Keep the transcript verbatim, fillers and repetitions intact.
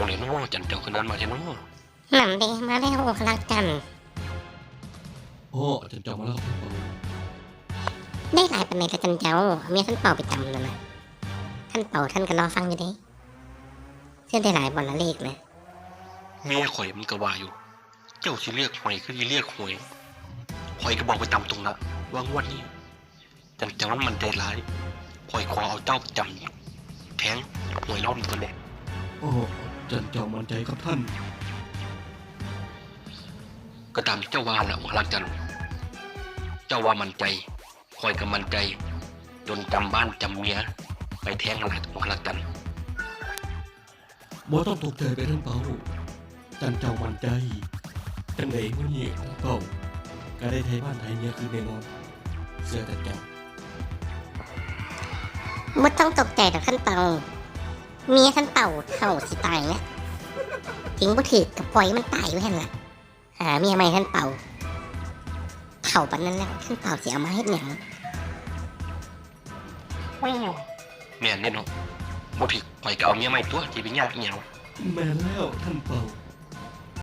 งเลยเนาะจันเจ้าคนนั้นมาเจ้าเนาะหนำเดมาแล้วรักจันโอ้จันเจ้ามาแล้วครับท่านเปาได้หลายปันในละจันเจ้าเมียท่านเป่าไปจำแล้วนะท่านเป่าท่านก็รอฟังอยู่เด้เชื่อได้หลายบอลละเลขนะเมียข่อยมันก็ว่าอยู่ เจ้าสิเรียกหวยคือสิเรียกหวยข่อยก็บอกไปตามตรงนะว่างวดนี้จันเจ้านั้นมันใจร้ายข่อยขอเอาเจ้าประจำแทงหวยรอบนี้ก่อนแหละโอ้จันเจ้ามั่นใจครับท่านก็ตามที่เจ้าว่าแหละหมอลักจันเจ้าว่ามันใจคอยกับมันใจจนจำบ้านจำเมียไปแทงหลักหมอลักจันบ่ต้องตกใจไปท่านเปาจันเจ้ามั่นใจจังไดมื้อนี้ท่านเปาก็ได้ไทยบ้านไทยเมียคือแน่นอนเสื้อจันเจ้าไม่ต้องตกใจดอกท่านเป่าเมียท่านเป่าเท่าสิตายนะถึงบ่ถือกับปล่อยมันตายไว้หั่นล่ะหาเมียใหม่ท่านเป่าเท่าปันนั้นแล้วท่านเป่าสิเอามาเฮ็ดหยังแม่นเนี่ยเนาะบ่ผิดข่อยก็เอาเมียใหม่ตัวที่เป็นญาติเหี่ยวแม่นแล้วท่านเปา